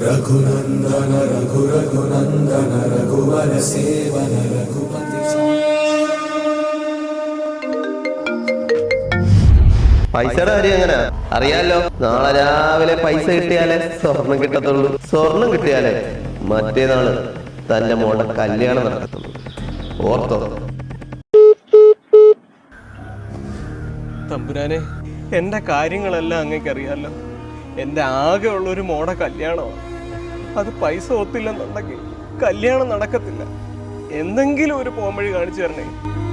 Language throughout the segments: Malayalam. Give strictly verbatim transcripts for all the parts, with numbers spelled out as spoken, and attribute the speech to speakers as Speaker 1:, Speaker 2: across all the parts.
Speaker 1: രഘുനന്ദന രഘു രഘുനന്ദന രഘുവര സേവന രഘുപതി.
Speaker 2: പൈസയുടെ കാര്യം എങ്ങനെ അറിയാലോ? നാളെ രാവിലെ പൈസ കിട്ടിയാലേ സ്വർണം കിട്ടത്തുള്ളൂ. സ്വർണം കിട്ടിയാലേ മറ്റേതാണ് തന്റെ മോളുടെ കല്യാണം നടക്കത്തുള്ളൂ. ഓർത്തോ?
Speaker 3: തമ്പുരാനെ, എന്റെ കാര്യങ്ങളെല്ലാം അങ്ങേക്കറിയാലോ. എന്റെ ആകെ ഉള്ളൊരു മോടെ കല്യാണമാണ്. അത് പൈസ ഒത്തില്ലെന്നുണ്ടെങ്കിൽ കല്യാണം നടക്കത്തില്ല. എന്തെങ്കിലും ഒരു പോംവഴി കാണിച്ചു തരണേ.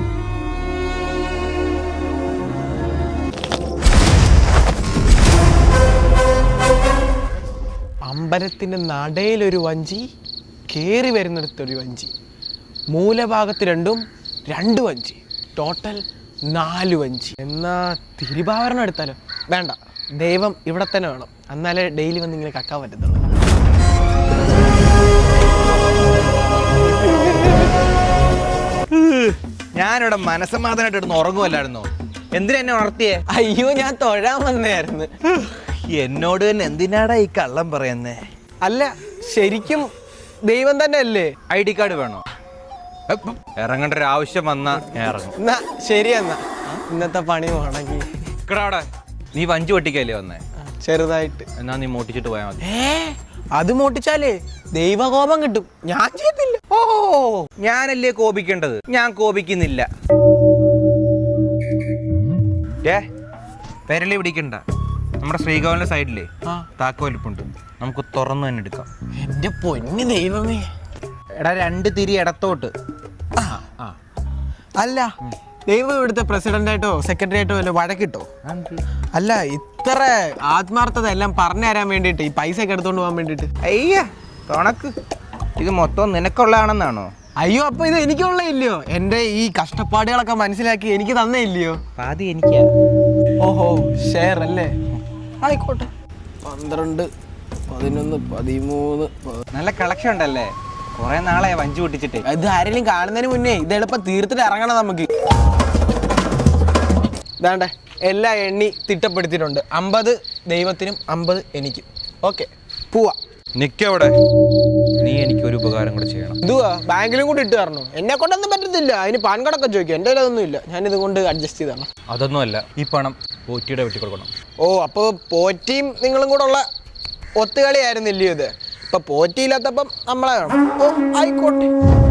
Speaker 3: അമ്പലത്തിന്റെ നടയിലൊരു വഞ്ചി, കേറി വരുന്നിടത്തൊരു വഞ്ചി, മൂലഭാഗത്ത് രണ്ടും രണ്ട് വഞ്ചി, ടോട്ടൽ നാല് വഞ്ചി. എന്നാ തിരുവാഭരണം എടുത്താലോ? വേണ്ട, ദൈവം ഇവിടെ തന്നെ വേണം. എന്നാലേ ഡെയിലി വന്ന് ഇങ്ങനെ കക്കാൻ പറ്റത്തുള്ളൂ.
Speaker 4: ഞാനിവിടെ മനസ്സമാധാനമായിട്ട് ഇടുന്ന് ഉറങ്ങുമല്ലായിരുന്നോ? എന്തിനാ എന്നെ ഉണർത്തിയേ?
Speaker 3: അയ്യോ, ഞാൻ തൊഴാൻ വന്നായിരുന്നു.
Speaker 4: എന്നോട് തന്നെ എന്തിനാടാ ഈ കള്ളം പറയുന്നേ?
Speaker 3: അല്ല, ശരിക്കും ദൈവം തന്നെ അല്ലേ?
Speaker 4: ഐ ഡി കാർഡ് വേണോ? ഇറങ്ങേണ്ട ഒരു ആവശ്യം വന്നാ ഞാൻ ഇറങ്ങും.
Speaker 3: എന്നാ ശരി, എന്നാ ഇന്നത്തെ പണി മുടങ്ങി.
Speaker 4: ഇക്കടാവിടെ നീ വഞ്ചി പൊട്ടിക്കല്ലേ വന്നേ?
Speaker 3: ചെറുതായിട്ട്.
Speaker 4: എന്നാ നീ മോട്ടിച്ചിട്ട് പോയാൽ മതി.
Speaker 3: ഏ അത് മോട്ടിച്ചാലേ ദൈവകോപം കിട്ടും. ഞാൻ ചെയ്യത്തില്ല.
Speaker 4: ഓ, ഞാനല്ലേ കോപിക്കേണ്ടത്? ഞാൻ കോപിക്കുന്നില്ല. ഏ പെരളി പിടിക്കണ്ട. നമ്മുടെ ശ്രീകോവിലിന്റെ സൈഡിലേ താക്കോലിപ്പുണ്ട്, നമുക്ക് തുറന്നു തന്നെ എടുക്കാം.
Speaker 3: എന്റെ പൊന്നു ദൈവമേ.
Speaker 4: എടാ, രണ്ട് തിരി ഇടത്തോട്ട്.
Speaker 3: അല്ല, ദൈവം ഇവിടുത്തെ പ്രസിഡന്റ് ആയിട്ടോ സെക്രട്ടറി ആയിട്ടോ വല്ല വഴക്കിട്ടോ? അല്ല, ഇത്ര ആത്മാർത്ഥത എല്ലാം പറഞ്ഞു തരാൻ വേണ്ടിട്ട്, ഈ പൈസ ഒക്കെ എടുത്തോണ്ട് പോകാൻ വേണ്ടിട്ട്.
Speaker 4: അയ്യ തുണക്ക്, ഇത് മൊത്തം നിനക്കുള്ളതാണെന്നാണോ?
Speaker 3: അയ്യോ, അപ്പൊ ഇത് എനിക്കുള്ള ഇല്ലയോ? എന്റെ ഈ കഷ്ടപ്പാടുകളൊക്കെ മനസ്സിലാക്കി എനിക്ക് തന്നേ ഇല്ലയോ?
Speaker 4: പാതി എനിക്കാ.
Speaker 3: ഓഹോ, ഷെയർ അല്ലേ? ആയിക്കോട്ടെ. പന്ത്രണ്ട്, പതിനൊന്ന്, പതിമൂന്ന്.
Speaker 4: നല്ല കളക്ഷൻ ഉണ്ടല്ലേ? കുറെ നാളെ വഞ്ചി പൊട്ടിച്ചിട്ട്.
Speaker 3: ഇത് ആരെങ്കിലും കാണുന്നതിന് മുന്നേ ഇത് എളുപ്പം തീർത്തിട്ട് ഇറങ്ങണം നമുക്ക്. ഇതാണ്ടേ എല്ലാ എണ്ണി തിട്ടപ്പെടുത്തിയിട്ടുണ്ട്. അമ്പത് ദൈവത്തിനും അമ്പത് എനിക്കും. ഓക്കെ, പോവാ.
Speaker 4: നിക്കവിടെ. നീ എനിക്കൊരു ഉപകാരം കൂടെ ചെയ്യണം.
Speaker 3: ഇതുവാ, ബാങ്കിലും കൂടി ഇട്ട് തരണോ? എന്നെ കൊണ്ടൊന്നും പറ്റത്തില്ല. അതിന് പാൻ കാർഡൊക്കെ ചോദിക്കും. എൻ്റെ കയ്യിലൊന്നും ഇല്ല. ഞാനിത് കൊണ്ട് അഡ്ജസ്റ്റ് ചെയ്താണ്.
Speaker 4: അതൊന്നുമല്ല, ഈ പണം പോറ്റിയുടെ വെട്ടി കൊടുക്കണം.
Speaker 3: ഓ, അപ്പോൾ പോറ്റിയും നിങ്ങളും കൂടെ ഉള്ള ഒത്തുകളിയായിരുന്നില്ലയോ ഇത്? ഇപ്പൊ പോറ്റിയില്ലാത്തപ്പം നമ്മളെ വേണം. ഓ, ആയിക്കോട്ടെ.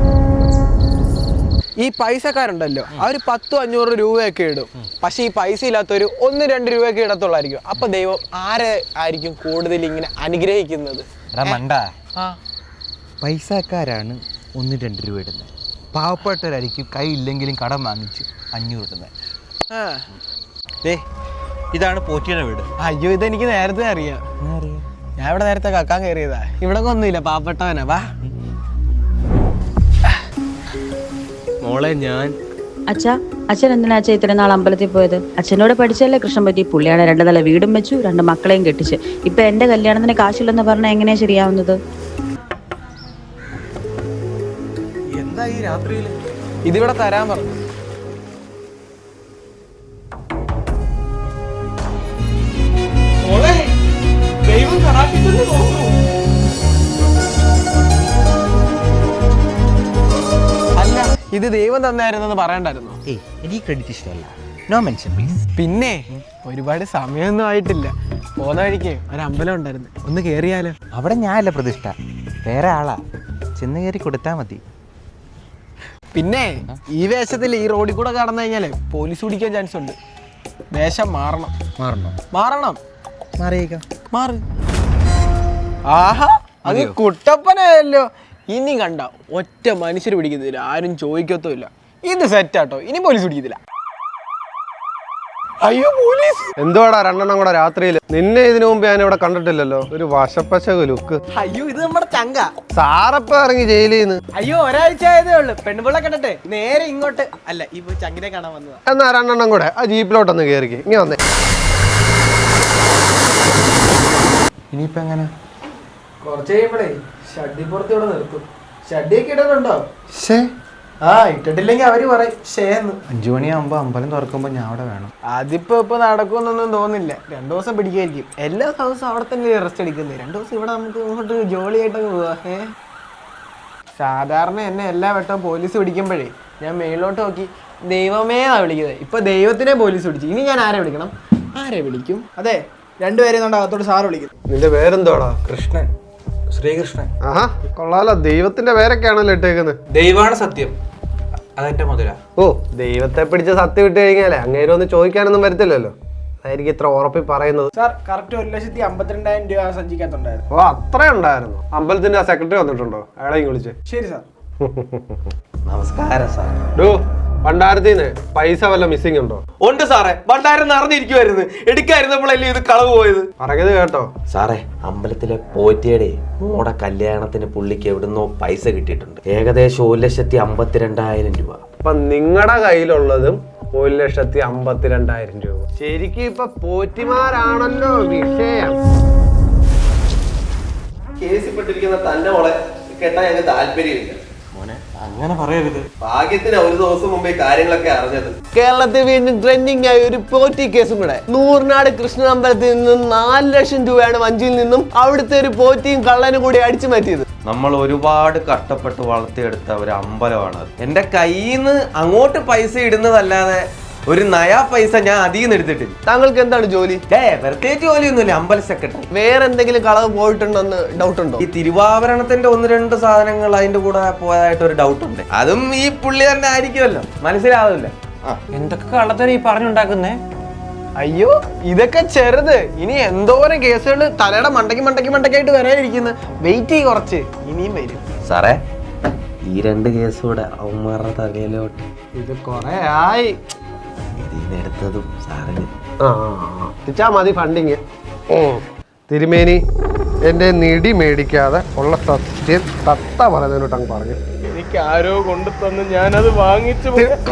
Speaker 3: ഈ പൈസക്കാരുണ്ടല്ലോ, അവർ പത്തും അഞ്ഞൂറ് രൂപയൊക്കെ ഇടും. പക്ഷെ ഈ പൈസ ഇല്ലാത്തൊരു ഒന്ന് രണ്ട് രൂപയൊക്കെ ഇടത്തുള്ളായിരിക്കും. അപ്പൊ ദൈവം ആരെ ആയിരിക്കും കൂടുതൽ ഇങ്ങനെ അനുഗ്രഹിക്കുന്നത്?
Speaker 4: പൈസക്കാരാണ് ഒന്ന് രണ്ട് രൂപ ഇടുന്നത്. പാവപ്പെട്ടവരായിരിക്കും കൈ ഇല്ലെങ്കിലും കടം വാങ്ങിച്ച് അഞ്ഞൂറ് ഇടുന്നത്. ഏ ഇതാണ് പോറ്റിയുടെ വീട്.
Speaker 3: അയ്യോ, ഇതെനിക്ക് നേരത്തെ അറിയാം. ഞാൻ ഇവിടെ നേരത്തെ കക്കാൻ കയറിയതാ. ഇവിടെ ഒന്നുമില്ല, പാവപ്പെട്ടവനാ. വാ മോളെ. ഞാൻ
Speaker 5: അച്ഛാ, അച്ഛൻ എന്തിനാ അച്ഛൻ ഇത്രയും നാൾ അമ്പലത്തിൽ പോയത്? അച്ഛനോട് പഠിച്ചല്ലേ കൃഷ്ണൻ പറ്റി. പുള്ളിയാണ് രണ്ട് നില വീടും വെച്ചു, രണ്ട് മക്കളെയും കെട്ടിച്ച്. ഇപ്പൊ എന്റെ കല്യാണത്തിന് കാശില്ലെന്ന് പറഞ്ഞാൽ എങ്ങനെയാ ശരിയാവുന്നത്?
Speaker 3: എന്താ ഈ രാത്രിയില്? ഇതിവിടെ തരാൻ പറഞ്ഞു. അല്ല, ഇത് ദൈവം തന്നായിരുന്നെന്ന് പറയണ്ടായിരുന്നു.
Speaker 4: ഏയ് എനിക്ക് ക്രെഡിറ്റ് ഇഷ്ടമല്ല. No mention please.
Speaker 3: പിന്നെ ഒരുപാട് സമയമൊന്നും ആയിട്ടില്ല. പോന്ന വഴിക്ക് ഒരു അമ്പലം ഉണ്ടായിരുന്നു, ഒന്ന് കേറിയാലോ?
Speaker 4: അവിടെ ഞാനല്ല പ്രതിഷ്ഠ, വേറെ ആളാ. ചെന്ന് കയറി കൊടുത്താൽ മതി.
Speaker 3: പിന്നെ ഈ വേഷത്തിൽ ഈ റോഡിൽ കൂടെ കടന്നു കഴിഞ്ഞാല് പോലീസ് പിടിക്കാൻ ചാൻസ് ഉണ്ട്. വേഷം മാറണം.
Speaker 4: മാറണോ?
Speaker 3: മാറണം.
Speaker 4: മാറിയേക്കാം.
Speaker 3: മാറി. ആഹാ, അത് കുട്ടപ്പനായല്ലോ. ഇനി കണ്ട ഒറ്റ മനുഷ്യർ പിടിക്കുന്നില്ല, ആരും ചോദിക്കത്തുമില്ല. ഇത് സെറ്റാട്ടോ, ഇനി പോലീസ് പിടിക്കത്തില്ല. അയ്യോ, പോലീസ്!
Speaker 6: എന്തുവാടാ രണ്ടെണ്ണം കൂടെ രാത്രിയിൽ? നിന്നെ ഇതിനു മുമ്പ് ഞാൻ ഇവിടെ കണ്ടിട്ടില്ലല്ലോ. ഒരു വശപ്പശക ലുക്ക്.
Speaker 3: അയ്യോ, ഇത് നമ്മുടെ ചങ്ക.
Speaker 6: സാറപ്പ ഇറങ്ങി ജയിലിൽ നിന്ന്.
Speaker 3: അയ്യോ, ഒരാഴ്ച ആയതേ ഉള്ളു. പെണ്ണുപിള്ള കണ്ടിട്ട് നേരെ ഇങ്ങോട്ട് അല്ല, ഈ ചങ്കിനെ കാണാൻ വന്നതാ.
Speaker 6: എന്നാ രണ്ടെണ്ണം കൂടെ ആ ജീപ്പിലോട്ടൊന്ന് കയറിക്ക്. ഇങ്ങനെ വന്നേ.
Speaker 4: ഇനിയിപ്പോ എങ്ങനെ?
Speaker 3: കുറച്ച് കഴിയുമ്പോഴേ ഷഡ്ഡിപ്പുറത്ത് ഇവിടെ നിർത്തും. ഷഡ്ഡിയൊക്കെ ഇടുന്നുണ്ടോ?
Speaker 4: ശേ,
Speaker 3: ആ ഇട്ടിട്ടില്ലെങ്കിൽ അവര് പറയും ഷേന്ന്.
Speaker 4: അഞ്ചു മണിയാകുമ്പോ അമ്പലം തുറക്കുമ്പോ ഞാൻ അവിടെ വേണം.
Speaker 3: അതിപ്പോ ഇപ്പൊ നടക്കുമെന്നൊന്നും തോന്നില്ല. രണ്ടു ദിവസം പിടിക്കായിരിക്കും. എല്ലാ ദിവസവും അവിടെ തന്നെ റെസ്റ്റ് എടുക്കുന്നത്. രണ്ടു ദിവസം ഇവിടെ നമുക്ക് ഇങ്ങോട്ട് ജോളിയായിട്ടങ്ങ് പോവാ. ഏ സാധാരണ എന്നെ എല്ലാ വട്ടവും പോലീസ് പിടിക്കുമ്പോഴേ ഞാൻ മേളിലോട്ട് നോക്കി ദൈവമേ എന്നാ വിളിക്കുന്നത്. ഇപ്പൊ ദൈവത്തിനെ പോലീസ് പിടിച്ചു. ഇനി ഞാൻ ആരെ വിളിക്കണം? ആരെ വിളിക്കും? അതെ രണ്ടുപേരെ കൊണ്ട് അകത്തോട്ട് സാറ് വിളിക്കും.
Speaker 6: നിന്റെ പേരെന്തോടാ?
Speaker 4: കൃഷ്ണൻ, ശ്രീകൃഷ്ണൻ.
Speaker 6: ആഹാ കൊള്ളാലോ, ദൈവത്തിന്റെ പേരൊക്കെയാണല്ലോ ഇട്ടേക്കുന്നത്.
Speaker 4: ദൈവമാണ് സത്യം, അതെന്റെ മുതല.
Speaker 6: ഓ, ദൈവത്തെ പിടിച്ച സത്യം ഇട്ട് കഴിഞ്ഞാലേ അങ്ങേരും ഒന്ന് ചോദിക്കാനൊന്നും വരത്തില്ലല്ലോ. അതായിരിക്കും ഇത്ര ഉറപ്പി പറയുന്നത്.
Speaker 3: സാർ കറക്റ്റ് ഒരു ലക്ഷത്തി അമ്പത്തിരണ്ടായിരം രൂപ സഞ്ചിക്കകത്തുണ്ടായിരുന്നു.
Speaker 6: ഓ, അത്രേ ഉണ്ടായിരുന്നു. അമ്പലത്തിന്റെ ആ സെക്രട്ടറി വന്നിട്ടുണ്ടോ? അയാളെ വിളിച്ചേ.
Speaker 3: ശരി സാർ.
Speaker 2: നമസ്കാരം സാർ.
Speaker 6: ഡോ, ഭണ്ഡാരത്തിന്ന് പൈസ വല്ല മിസ്സിംഗ് ഉണ്ടോ?
Speaker 2: ഉണ്ട് സാറേ, ഭണ്ഡാരം നിറഞ്ഞിരിക്കുവായിരുന്നു. എടുക്കായിരുന്നപ്പോഴല്ലേ ഇത് കളവ് പോയത്.
Speaker 6: പറഞ്ഞത് കേട്ടോ
Speaker 2: സാറേ? അമ്പലത്തിലെ പോറ്റിയുടെ മോടെ കല്യാണത്തിന് പുള്ളിക്ക് എവിടുന്നോ പൈസ കിട്ടിയിട്ടുണ്ട്. ഏകദേശം ഒരു ലക്ഷത്തി അമ്പത്തിരണ്ടായിരം രൂപ.
Speaker 6: അപ്പൊ നിങ്ങളുടെ കയ്യിലുള്ളതും ഒരു ലക്ഷത്തി അമ്പത്തിരണ്ടായിരം രൂപ. ശരിക്കും ഇപ്പൊ പോറ്റിമാരാണല്ലോ വിഷയം.
Speaker 2: കേസിപ്പെട്ടിരിക്കുന്ന തന്റെ മോളെ കേട്ടാ ഞങ്ങൾക്ക് താല്പര്യമില്ല.
Speaker 4: അങ്ങനെ പറയരുത്.
Speaker 2: ഭാഗ്യത്തിന് ഒരു ദിവസം മുമ്പേ കാര്യങ്ങളൊക്കെ അറിഞ്ഞത്.
Speaker 3: കേരളത്തിൽ വീണ്ടും ട്രെൻഡിങ് ആയ ഒരു പോറ്റി കേസും കൂടെ. നൂറിനാട് കൃഷ്ണൻ അമ്പലത്തിൽ നിന്നും നാല് ലക്ഷം രൂപയാണ് വഞ്ചിയിൽ നിന്നും അവിടുത്തെ ഒരു പോറ്റിയും കള്ളനും കൂടി അടിച്ചു മാറ്റിയത്.
Speaker 2: നമ്മൾ ഒരുപാട് കഷ്ടപ്പെട്ട് വളർത്തിയെടുത്ത ഒരു അമ്പലമാണ് അത്. എന്റെ കയ്യിൽ നിന്ന് അങ്ങോട്ട് പൈസ ഇടുന്നതല്ലാതെ ഒരു നയാ പൈസ ഞാൻ അതിൽ നിന്ന് എടുത്തിട്ടില്ല.
Speaker 3: താങ്കൾക്ക് എന്താണ് ജോലി?
Speaker 2: ഏ പ്രത്യേകിച്ച് ജോലിയൊന്നുമില്ല, അമ്പല സെക്രട്ടറി.
Speaker 3: വേറെ എന്തെങ്കിലും കളവ് പോയിട്ടുണ്ടോന്ന് ഡൗട്ട് ഉണ്ടോ?
Speaker 2: ഈ തിരുവാഭരണത്തിന്റെ ഒന്ന് രണ്ട് സാധനങ്ങൾ അതിന്റെ കൂടെ പോയതായിട്ട് ഒരു ഡൗട്ട് ഉണ്ട്. അതും ഈ പുള്ളി തന്നെ ആയിരിക്കുമല്ലോ, മനസ്സിലാവില്ല.
Speaker 4: എന്തൊക്കെ കള്ളത്തരം ഈ പറഞ്ഞുണ്ടാക്കുന്നേ?
Speaker 3: അയ്യോ ഇതൊക്കെ ചെറുത്. ഇനി എന്തോരം കേസുകൾ തലയുടെ മണ്ടയ്ക്ക് മണ്ടയ്ക്ക് മണ്ടയ്ക്കായിട്ട് വരാനിരിക്കുന്നു. വെയിറ്റ് ചെയ്യ് കുറച്ച്, ഇനിയും വരും.
Speaker 2: സാറേ, ഈ രണ്ട് കേസൂടെ അവന്മാരുടെ തലയിലോട്ട്
Speaker 6: ഇത് കൊറേ ആയി
Speaker 2: ഇതിനെടുത്തതും സാറിന്.
Speaker 6: ആ മതി ഫണ്ടിങ്. തിരുമേനി, എന്റെ നിടി മേടിക്കാതെ ഉള്ള സത്യം തത്ത പറയുന്നതിനോട്ട് അങ്ങ് പറഞ്ഞു.
Speaker 3: എനിക്ക് ആരോ കൊണ്ടു തന്ന് ഞാനത് വാങ്ങിച്ചു.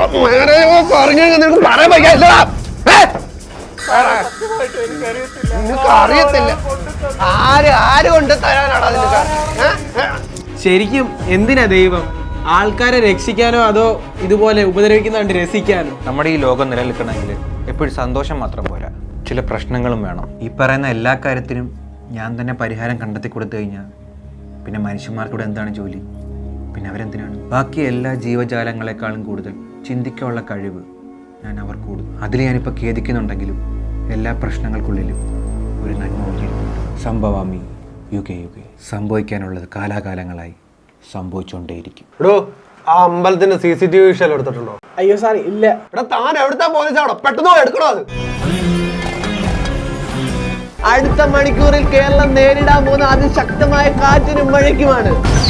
Speaker 6: നിനക്ക് അറിയത്തില്ല ആര് ആര് കൊണ്ട് തരാനാണ് അതിന്റെ.
Speaker 3: ശരിക്കും എന്തിനാ ദൈവം? ആൾക്കാരെ രക്ഷിക്കാനോ അതോ ഇതുപോലെ ഉപദ്രവിക്കുന്ന കണ്ട് രസിക്കാനോ?
Speaker 4: നമ്മുടെ ഈ ലോകം നിലനിൽക്കണമെങ്കിൽ എപ്പോഴും സന്തോഷം മാത്രം പോരാ, ചില പ്രശ്നങ്ങളും വേണം. ഈ പറയുന്ന എല്ലാ കാര്യത്തിനും ഞാൻ തന്നെ പരിഹാരം കണ്ടെത്തി കൊടുത്തു കഴിഞ്ഞാൽ പിന്നെ മനുഷ്യന്മാർക്കൂടെ എന്താണ് ജോലി? പിന്നെ അവരെന്തിനാണ്? ബാക്കി എല്ലാ ജീവജാലങ്ങളെക്കാളും കൂടുതൽ ചിന്തിക്കാനുള്ള കഴിവ് ഞാൻ അവർ കൂടും. അതിൽ ഞാനിപ്പോൾ ഖേദിക്കുന്നുണ്ടെങ്കിലും എല്ലാ പ്രശ്നങ്ങൾക്കുള്ളിലും ഒരു നന്മ ഒളിഞ്ഞിരിക്കുന്നുണ്ട്. സംഭവാമി യുഗേ യുഗേ. സംഭവിക്കാനുള്ളത് കാലാകാലങ്ങളായി സംഭവിച്ചുകൊണ്ടേയിരിക്കും.
Speaker 6: എടോ, ആ അമ്പലത്തിന്റെ സി സി ടി വി വിഷയം എടുത്തിട്ടുണ്ടോ?
Speaker 3: അയ്യോ സാർ ഇല്ല.
Speaker 6: എടാ, താൻ എവിടുത്തെ പോലീസാണോ? പെട്ടെന്ന് എടുക്കണോ അത്?
Speaker 3: അടുത്ത മണിക്കൂറിൽ കേരളം നേരിടാൻ പോകുന്ന അതിശക്തമായ കാറ്റിനും മഴയ്ക്കുമാണ്.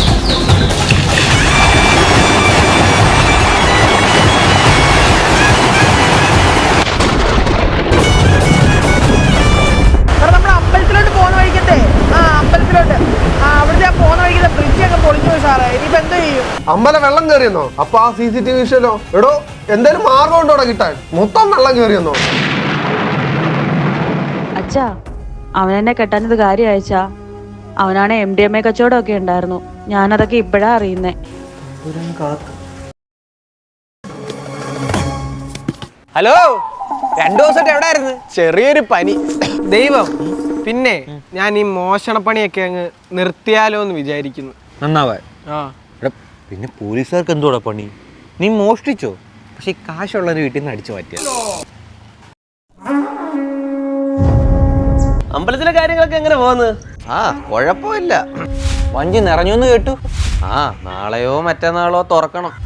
Speaker 3: അമ്പലത്തിലോട്ട് പോകുന്ന വഴിക്കത്തെ ആ അമ്പലത്തിലോട്ട് അവിടുത്തെ പോകുന്ന വഴിക്കത്തെ ബ്രിഡ്ജ് ഒക്കെ പൊളിഞ്ഞു പോയി സാറേ. ഇനിയിപ്പോ എന്തോ ചെയ്യും?
Speaker 6: അമ്പലം വെള്ളം കയറിയെന്നോ? അപ്പൊ ആ സി സി ടി വി വിഷയല്ലോ. എടോ, എന്തായാലും മാർഗം ഉണ്ടോ കിട്ടാൻ? മൊത്തം വെള്ളം കയറിയെന്നോ?
Speaker 5: അച്ഛാ, അവനെന്നെ കെട്ടാഞ്ഞത് കാര്യം അയച്ചാ. അവനാണ് എം ഡി എം എ കച്ചവടം ഒക്കെ ഉണ്ടായിരുന്നു. ഞാനതൊക്കെ ഇപ്പോഴാ അറിയുന്നേ.
Speaker 3: ഹലോ, രണ്ടു ദിവസമായിട്ട് എവിടെ ആയിരുന്നു? ചെറിയൊരു പനി. ദൈവം, പിന്നെ ഞാൻ ഈ മോഷണപ്പണിയൊക്കെ അങ്ങ് നിർത്തിയാലോ എന്ന് വിചാരിക്കുന്നു.
Speaker 4: നന്നാവാൻ.
Speaker 3: ആ
Speaker 4: പിന്നെ പോലീസുകാർക്ക് എന്തോടാ പണി? നീ മോഷ്ടിച്ചോ? പക്ഷെ ഈ കാശുള്ളൊരു വീട്ടിൽ നിന്ന് അടിച്ചു മാറ്റിയ.
Speaker 2: അമ്പലത്തിലെ കാര്യങ്ങളൊക്കെ എങ്ങനെ പോകുന്നത്? ആ കുഴപ്പമില്ല.
Speaker 4: വഞ്ചി നിറഞ്ഞു എന്ന് കേട്ടു.
Speaker 2: ആ നാളെയോ മറ്റന്നാളോ തുറക്കണം.